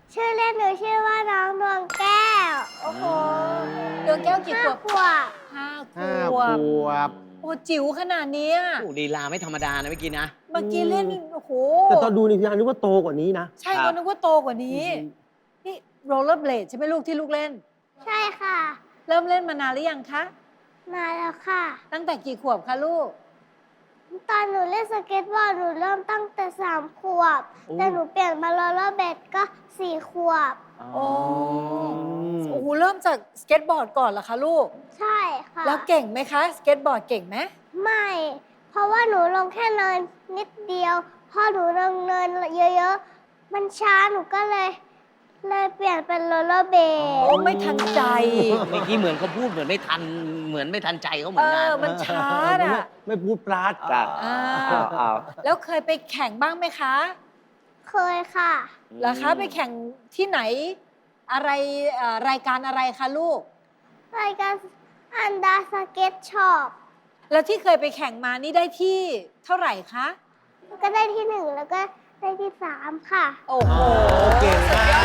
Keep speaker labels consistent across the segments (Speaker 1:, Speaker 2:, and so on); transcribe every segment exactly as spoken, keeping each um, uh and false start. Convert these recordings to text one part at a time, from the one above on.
Speaker 1: ชื่อเล่นหนูชื่อว่าน้องดวงแก้ว
Speaker 2: โอ้โหดวงแก้วกี่ขวบ
Speaker 1: ขวบ
Speaker 2: ห้าข
Speaker 3: ห้าว ข
Speaker 2: บ
Speaker 3: วบ
Speaker 2: โอ้จิ๋วขนาดเนี้ย
Speaker 4: โอ้ลีลาไม่ธรรมดานะเมื่อกี้นะ
Speaker 2: เมื่อกี้เล่นโอ้โห
Speaker 3: แต่ตอนดูนี่พี่อานึกว่าโตกว่านี้นะ
Speaker 2: ใช่
Speaker 4: ครั
Speaker 2: ก็
Speaker 4: บ
Speaker 2: นึกว่าโตกว่านี้ นี่โรลเลอร์เบลดใช่ไหมลูกที่ลูกเล่น
Speaker 1: ใช่ค่ะ
Speaker 2: เริ่มเล่นมานานหรือยังคะ
Speaker 1: มาแล้วค่ะ
Speaker 2: ตั้งแต่กี่ขวบคะลูก
Speaker 1: ตอนหนูเล่นสเก็ตบอร์ดหนูเริ่มตั้งแต่สามขวบ
Speaker 4: โอ้
Speaker 1: แต่หนูเปลี่ยนมาโรลเลอร์เบดก็สี่ขวบ
Speaker 2: โอ้โอ้โหเริ่มจากสเก็ตบอร์ดก่อนเหรอคะลูก
Speaker 1: ใช่ค่ะ
Speaker 2: แล้วเก่งไหมคะสเก็ตบอร์ดเก่งไหม
Speaker 1: ไม่ เพราะว่าหนูลงแค่เนินนิดเดียว พอหนูลงเนินเยอะๆ มันช้าหนูก็เลย เลยเปลี่ยนเป็นโรลเลอร์เบ
Speaker 2: โอ้
Speaker 1: ด
Speaker 2: ไม่ทันใจ
Speaker 4: เมื่อกี้เหมือนเขาพูดเหมือนไม่ทันเหมือนไม่ทันใจเขาเหมื
Speaker 2: เอ
Speaker 4: อนกัน
Speaker 2: อ มันช้า
Speaker 3: ไม่
Speaker 2: อ่ะ
Speaker 3: ไม่พูดปราด
Speaker 4: จ้ะ
Speaker 2: อ่า
Speaker 4: อ้าว
Speaker 2: แล้วเคยไปแข่งบ้างไหมคะ
Speaker 1: เคยค่ะ
Speaker 2: เหรอคะไปแข่งที่ไหนอะไรเอ่อรายการอะไรคะลูก
Speaker 1: รายการอันดาสเก็ตช็อป
Speaker 2: แล้วที่เคยไปแข่งมานี่ได้ที่เท่าไหร่คะ
Speaker 1: ก็ได้ที่หนึ่งแล้วก็ได้ที่สามค่ะ
Speaker 2: โอ้โห
Speaker 3: เก่งมาก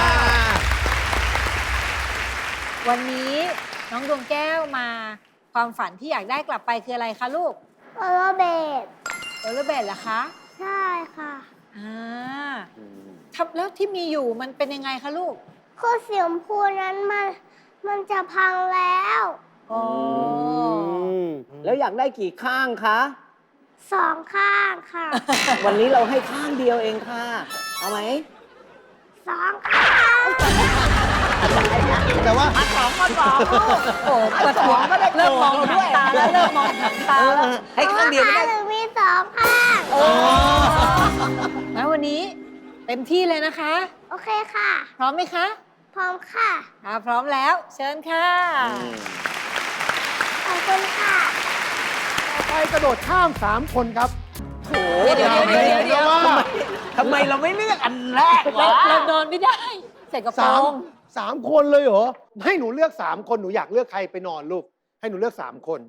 Speaker 2: วันนี้น้องดวงแก้วมาความฝันที่อยากได้กลับไปคืออะไรคะลูก
Speaker 1: โรลเลอร์เบด
Speaker 2: โรลเลอร์เบลดเหรอคะ
Speaker 1: ใช่ค่ะ
Speaker 2: อ่าทับแล้วที่มีอยู่มันเป็นยังไงคะลูก
Speaker 1: คือสีชมพูนั้นมันมันจะพังแล้ว
Speaker 2: อ๋อ
Speaker 4: แล้วอยากได้กี่ข้างคะ
Speaker 1: สองข้างค่ะ
Speaker 4: วันนี้เราให้ข้างเดียวเองค่ะ เอาไหม
Speaker 1: สองข้าง
Speaker 3: แต่ว่า
Speaker 4: สองมาสองลูก
Speaker 2: โอ้ปวดหัวเริ่มมองหางตาแล้วเริ่มมองหางตาแล้ว
Speaker 4: ให้ข้างเดียวไม่ได้
Speaker 1: หรือมีสองข้าง
Speaker 2: โอ้แล้ววันนี้เต็มที่เลยนะคะ
Speaker 1: โอเคค่ะ
Speaker 2: พร้อมไหมคะ
Speaker 1: พร้อมค่ะ
Speaker 2: อ่าพร้อมแล้ว เชิญค่ะ
Speaker 1: ขอบคุณค่ะ
Speaker 5: ไปกระโดดข้ามสามคนครับ
Speaker 4: โอ้
Speaker 2: เดี๋ยวเดี๋ยวเดี๋ยวเดี๋ยว
Speaker 5: ว่า
Speaker 4: ทำไมเราไม่เลือกอันแรก
Speaker 2: เรา
Speaker 4: วะ
Speaker 2: เรานอนไม่ได้ใส่กระโปร
Speaker 5: สาม
Speaker 2: ง
Speaker 5: สามคนเลยเหรอ ให้หนูเลือกสามคนหนูอยากเลือกใครไปนอนลูก ให้หนูเลือกสามคน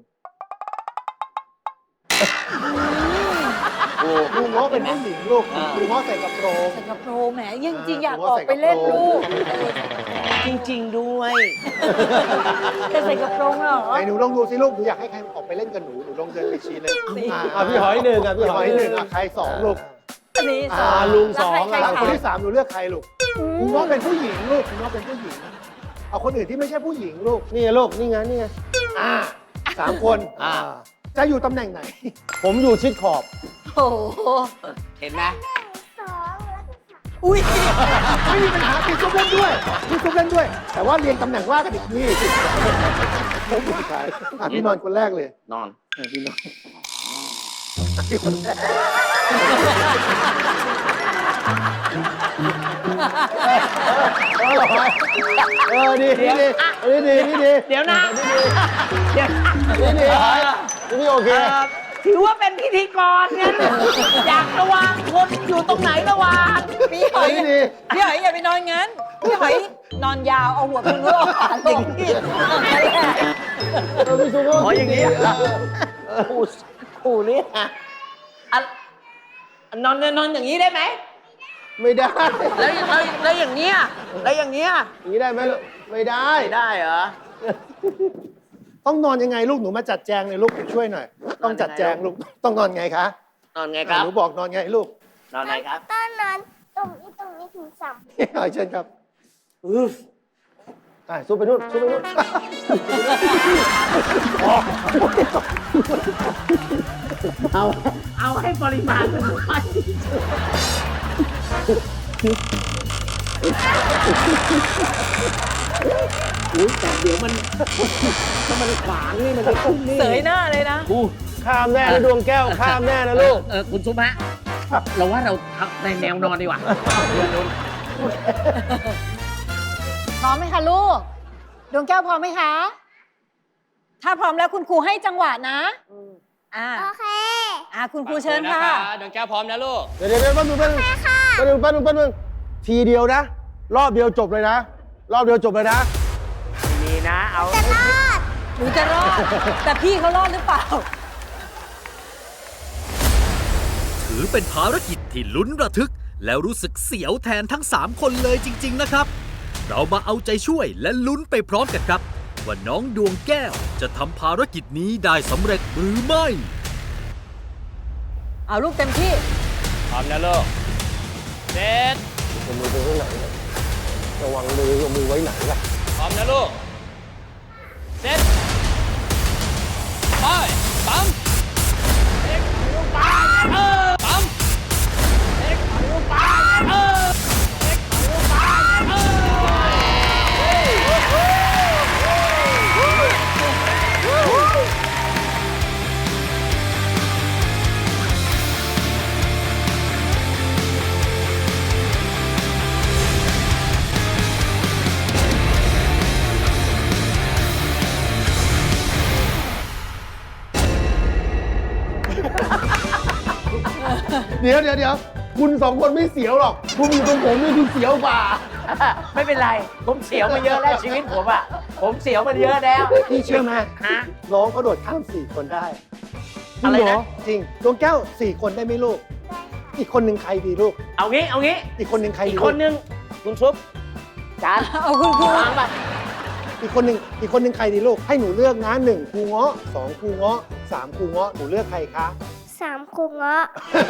Speaker 5: โอ้ลุงง้อเป็นผู้หญิงลูกลุงง้อใส่กระโปรง
Speaker 2: ใส่กระโปรงแหมยังจริงๆอยาก
Speaker 5: ผม
Speaker 2: อ
Speaker 5: ว่า
Speaker 2: อกไปเล่น
Speaker 5: ใส่กระโปรง
Speaker 2: ลูก
Speaker 4: จริง ๆ ด้วย
Speaker 2: จะใส่กระโปรงเหรอ
Speaker 5: ไหนหนูลองดูสิลูกหนูอยากให้ใครออกไปเล่นกับหนูหนูลองเดินไปชี้เลย
Speaker 3: อ่ะพี่หอยหนึ่งอ่ะพี่
Speaker 5: พี่
Speaker 3: ห
Speaker 5: ห
Speaker 3: อ
Speaker 5: อย ย
Speaker 3: ห
Speaker 5: ห
Speaker 3: นึ่
Speaker 5: นึ่
Speaker 3: ง
Speaker 5: ง
Speaker 3: อ่ะ
Speaker 5: อ่ะใครสองลูก
Speaker 2: อันนี้ส
Speaker 3: อ่า
Speaker 2: อง
Speaker 3: ลุง
Speaker 2: แล้ว
Speaker 3: สอง
Speaker 2: ใคร
Speaker 3: อ่ะ
Speaker 2: ใคร
Speaker 5: คน
Speaker 2: ใคร
Speaker 5: ที่สามหนูเลือกใครลูกลุงง้อเป็นผู้หญิงลูกลุงง้อเป็นผู้หญิง เอาคนอื่นที่ไม่ใช่ผู้หญิงลูก
Speaker 3: นี่ไงลูกนี่ไงนี่ไง
Speaker 5: อ่าสามคน
Speaker 4: อ่า
Speaker 5: จะอยู่ตำแหน่งไหน
Speaker 3: ผมอยู่ชิดขอบ
Speaker 2: โอ้โห
Speaker 4: เห็นไหม
Speaker 1: สองแล้วก็สาม
Speaker 2: อุ้ย
Speaker 5: ไม่มีปัญหาพี่ซุปเล่นด้วยพี่ซุปเล่นด้วย แต่ว่าเรียงตำแหน่งว่ากันอีกนี่ผมอยู่ท้ายอ่ะพี่นอนคนแรกเลย
Speaker 4: นอน
Speaker 5: พี่นอนพี่คนแรกเออเหรอเออดีดีดีเออดีดีดี
Speaker 4: เดี๋ยวนะ เดี๋ยว
Speaker 5: ดีดี
Speaker 3: นี่โอเค
Speaker 4: เอ่อถือว่าเป็นพิธีกรงั้นอยากระวางคนอยู่ตรงไหนระวาง
Speaker 2: พี่หอย
Speaker 5: ดีดี
Speaker 2: พี่หอยอย่าไปนอนงั้นพี่หอยนอนยาวเอาหัวคุณลูกขาลงนี่นั่นแหละ
Speaker 3: เออพี่ซุปก็
Speaker 4: อ๋ออย่างนี้อ่ะขู่ขู่นี่อ่ะอ่ะนอนนอนอย่างนี้ได้ไหม
Speaker 3: ไม่ได้
Speaker 4: แล้วแล้วแล้วอย่างเนี้ยแล้วอย่างเนี้ย
Speaker 3: อย่างนี้ได้ไหมลูกไม่ได้
Speaker 4: ไม่ได้เหรอ
Speaker 5: ต้องนอนยังไงลูกหนูมาจัดแจงเลยลูกช่วยหน่อย ต้องจัดแจงลูกต้องนอนไงคะ
Speaker 4: นอนไงครับ
Speaker 5: หนูบอกนอนไงลูก
Speaker 4: นอนไงครับ
Speaker 1: ต้นนั้นตรงนี้ตรงนี้ถึงสาม
Speaker 5: เอาเชิญครับ
Speaker 3: อ่ะซุปไปนู่นซุปไปนู่น
Speaker 4: เอาเอาให้ปริมาณมันน้อยอุ้ยแต่เดี๋ยวมันถ้ามันขวางนี่มันจะขึ้นนี่
Speaker 2: เสยหน้าเลยนะ
Speaker 3: ข้ามแน่นะดวงแก้วข้ามแน่นะลูก
Speaker 4: เออคุณซุปฮะเราว่าเราทำในแนวนอนดีกว่า
Speaker 2: พร้อมไหมคะลูก ดวงแก้วพร้อมไหมคะ ถ้าพร้อมแล้วคุณครูให้จังหวะนะอ่า
Speaker 1: โอเค
Speaker 2: อ่าคุณครูเชิญค่ะ
Speaker 6: ดวงแก้วพร้อมนะลูก
Speaker 3: เดี๋ยวเดี๋ยวเดี๋ยวแป๊บนึงแป๊บนึงแป๊บนึงแป๊บนึงแป๊บนึงทีเดียวนะ รอบเดียวจบเลยนะ รอบเดียวจบเลยนะ
Speaker 4: มีนะ เอา
Speaker 1: จะรอด
Speaker 2: หนูจะรอด แต่พี่เขารอดหรือเปล่า
Speaker 7: ถือเป็นภารกิจที่ลุ้นระทึก
Speaker 6: แล้วรู้สึกเสียวแทนทั้งสามคนเลยจริงๆนะครับ เรามาเอาใจช่วยและลุ้นไปพร้อมกันครับ ว่าน้องดวงแก้วจะทำภารกิจนี้ได้สำเร็จหรือไม่
Speaker 2: เอาลูกเต็มที่
Speaker 4: พร้อมนะลูกเซ็ต
Speaker 3: เอามือไปไว้ไหนเนี่ยระวังมือเอามือไว้ไหนล่ะ
Speaker 4: พร้อมนะลูกเซ็ตไปปั๊มเด็กลูกปั๊มเออปั๊มเด็กลูกปั๊มเออเด็กลูกปั๊มเอ
Speaker 3: เดี๋ยวเดี๋ยวเดี๋ยวคุณสองคนไม่เสียวหรอก คุณอยู่ตรงผมนี่คุณเสียวกว่า
Speaker 4: ไม่เป็นไร ผมเสียวมาเยอะแล้วชีวิตผมอ่ะ ผมเสียวมาเยอะแล้ว
Speaker 5: พี่เชื่อไหม
Speaker 4: ฮะ
Speaker 5: น้องเขาโดดข้ามสี่คนได้
Speaker 4: อะไรนะ
Speaker 5: จริงดวงแก้วสี่คนได้ไหมลูก อีกคนหนึ่งใครดีลูก
Speaker 4: เอางี้ เอางี้
Speaker 5: อีกคนหนึ่งใคร
Speaker 4: อี
Speaker 5: ดี
Speaker 4: ก
Speaker 5: ลู
Speaker 4: คนนึงคุณชุบจาน
Speaker 2: เอาคุณครู
Speaker 4: วางไป
Speaker 5: อีกคนหนึ่งอีกคนหนึ่งใครดีลูก ให้หนูเลือกนะหนึ่งครูเงาะสองครูเงาะสามครูเงาะหนูเลือกใครคะ
Speaker 1: สามครูเงาะ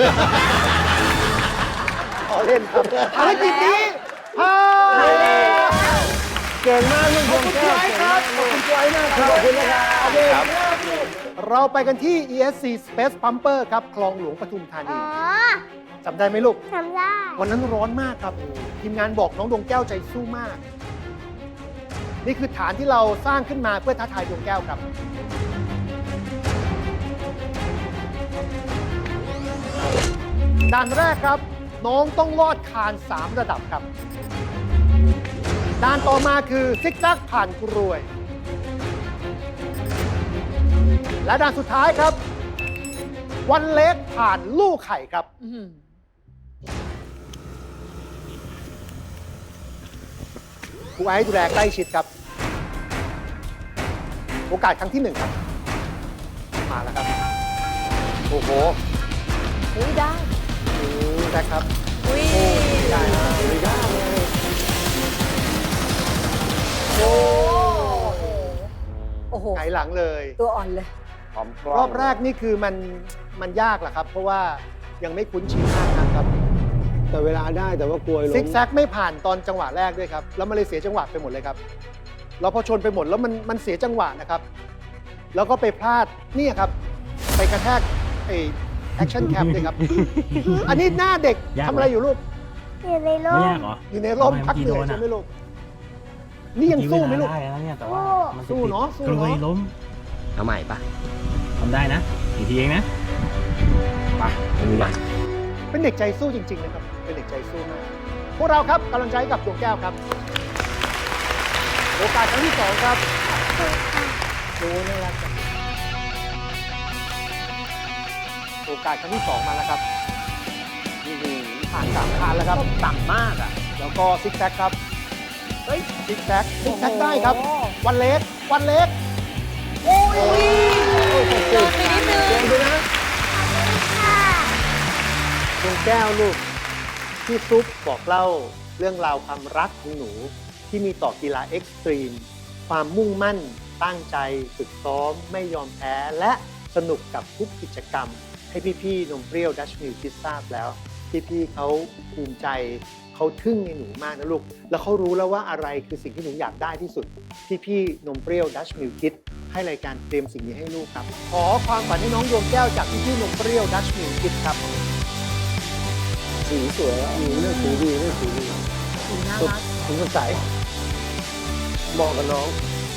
Speaker 5: ขอเล่นครับภารกิจนี้ผ่าน
Speaker 3: เก่งมากลูกดวงแก้ว
Speaker 5: ขอบคุณครับขอบคุณไว้มากครับขอบคุณนะครับเราไปกันที่ อี เอส ซี Space Pumper ครับคลองหลวงปทุมธา
Speaker 1: อ๋
Speaker 5: นี
Speaker 1: อ
Speaker 5: จำได้ไหมลูก
Speaker 1: ทำได้
Speaker 5: วันนั้นร้อนมากครับ ทีมงานบอกน้องดวงแก้วใจสู้มาก นี่คือฐานที่เราสร้างขึ้นมาเพื่อท้าทายดวงแก้วครับ ด่านแรกครับ น้องต้องลอดคานสามระดับครับ ด่านต่อมาคือซิกแซกผ่านกรวย และด่านสุดท้ายครับ วันเล็กผ่านลูกไข่ครับ
Speaker 2: อื้อหือ
Speaker 5: ครูไอซ์ดูแลใกล้ชิดครับ โอกาสครั้งที่หนึ่งครับ มาแล้วครับ โอ้โห
Speaker 2: อุ้ยได้
Speaker 5: อืมแซกครับ
Speaker 2: อุ้ย
Speaker 5: ได้นะไม่ได้เลย
Speaker 2: โอ้โอ้โห
Speaker 5: ไงหลังเลย
Speaker 2: ตัวอ่อนเลย
Speaker 4: พร้อม
Speaker 5: รอบแรกนี่คือมันมันยากแหละครับ เพราะว่ายังไม่คุ้นชินมากนะครับ
Speaker 3: แต่เวลาได้แต่ว่ากลัวล้ม
Speaker 5: ซิกแซกไม่ผ่านตอนจังหวะแรกด้วยครับ แล้วมันเลยเสียจังหวะไปหมดเลยครับแล้วพอชนไปหมดแล้วมันมันเสียจังหวะนะครับ แล้วก็ไปพลาดนี่ครับ ไปกระแทกไอแอคชั่นแคมเลยครับ อันนี้หน้าเด็ก
Speaker 7: ยาก
Speaker 5: ทำอะไรอยู่ลูก
Speaker 1: อยู่ในร่
Speaker 7: ไม่
Speaker 1: ม
Speaker 7: ยากเหรอ
Speaker 5: อยู่ในร่ม
Speaker 7: ทำไม
Speaker 5: พักเหนื่อย
Speaker 7: เมื่อกี้โดนอะ
Speaker 5: ใช่ไหมลูก นี่ยังสู้ไหมลูก
Speaker 7: เอกี้เวลาได้แล้วเนี่ยแต่ว่ามัน
Speaker 5: สู้เนอะสู้
Speaker 7: กล
Speaker 5: เนอะ
Speaker 7: ยล้ม
Speaker 4: เอาใหม่ปะ
Speaker 7: ทำได้นะอีกทีเองนะไปดูกัน
Speaker 5: เป็นเด็กใจสู้จริง ๆ นะครับ เป็นเด็กใจสู้มาก พวกเราครับกำลังใจให้กับดวงแก้วครับ โอกาสครั้งที่สองครับโอ้น่ารักจังโอกาสครั้งที่สองมาแล้วครับนี่คือผ่านสามคานแล้วครับ
Speaker 4: ต่ำมากอ่ะ
Speaker 5: แล้วก็ซิกแซกครับ เฮ้ย ซิกแซกซิกแซกได้ครับ วันเล็ก วันเล็ก โอ้ย
Speaker 2: โดนไปนิดนึง
Speaker 5: เก่งด้วยนะ
Speaker 1: ค่ะ
Speaker 5: ดวงแก้วลูกพี่ซุปบอกเล่าเรื่องราวความรักของหนู ที่มีต่อกีฬาเอ็กซ์ตรีม ความมุ่งมั่น ตั้งใจ ฝึกซ้อม ไม่ยอมแพ้ และสนุกกับทุกกิจกรรม ให้พี่ๆนมเปรี้ยวดัชมิลคิดทราบแล้ว พี่ๆเขาภูมิใจเขาทึ่งในหนูมากนะลูก แล้วเขารู้แล้วว่าอะไรคือสิ่งที่หนูอยากได้ที่สุด พี่ๆนมเปรี้ยวดัชมิลคิดให้รายการเตรียมสิ่งนี้ให้ลูกครับ ขอความฝันให้น้องดวงแก้วจากพี่ๆนมเปรี้ยวดัชมิลคิดครับ
Speaker 3: สีสวยอ่ะสีเลือกสีดีเลือกสีดี
Speaker 2: สีน่ารัก
Speaker 3: สีสดใสเหมาะกับน้อง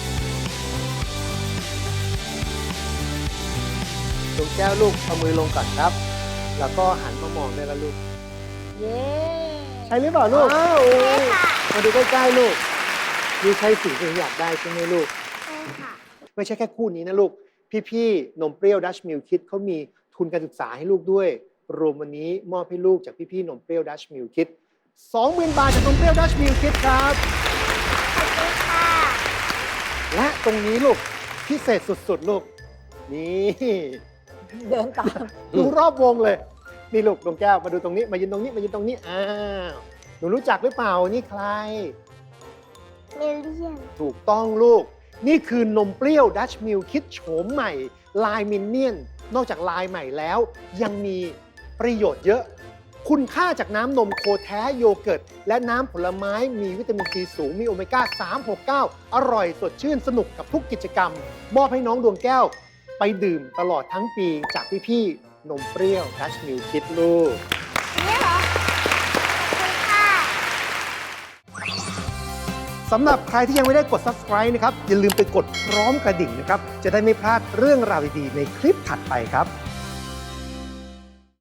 Speaker 5: ดวงแก้วลูกเอามือลงก่อนครับ แล้วก็หันมามองได้แล้วลูก
Speaker 2: เย้
Speaker 5: ใช่หรือเปล่าลูก
Speaker 3: อ้าว
Speaker 5: มาดูใกล้ๆลูกนี่ใช่สิ่งที่อยากได้ใช่ไหมลูก
Speaker 1: ใช่ค่ะ
Speaker 5: ไม่ใช่แค่คู่นี้นะลูก พี่ๆนมเปรี้ยวดัชมิลคิดเขามีทุนการศึกษาให้ลูกด้วย รวมวันนี้มอบให้ลูกจากพี่ๆนมเปรี้ยวดัชมิลคิด สองหมื่น บาทจากนมเปรี้ยวดัชมิลคิดครับ
Speaker 1: ขอบคุณค่ะ
Speaker 5: และตรงนี้ลูกพิเศษสุดๆลูก นี่
Speaker 2: เดินตาม
Speaker 5: ดูรอบวงเลยนี่ลูกดวงแก้วมาดูตรงนี้มายืนตรงนี้มายืนตรงนี้อ้าวหนูรู้จักหรือเปล่านี่ใคร
Speaker 1: เมเลียน
Speaker 5: ถูกต้องลูก นี่คือนมเปรี้ยวดัชมิลคิดโฉมใหม่ลายมินเนี่ยนนอกจากลายใหม่แล้ว ยังมีประโยชน์เยอะ คุณค่าจากน้ำนมโคแท้โยเกิร์ต และน้ำผลไม้มีวิตามินซีสูงมีโอเมก้า สาม หก เก้า อร่อยสดชื่นสนุกกับทุกกิจกรรม มอบให้น้องดวงแก้ว ไปดื่มตลอดทั้งปีจากพี่ๆนมเปรี้ยวดัชมิลคิดลูก
Speaker 1: นี่เหรอคุณค่ะ
Speaker 5: สำหรับใครที่ยังไม่ได้กด ซับสไครบ์ นะครับ อย่าลืมไปกดพร้อมกระดิ่งนะครับ จะได้ไม่พลาดเรื่องราวดีๆในคลิปถัดไปครับ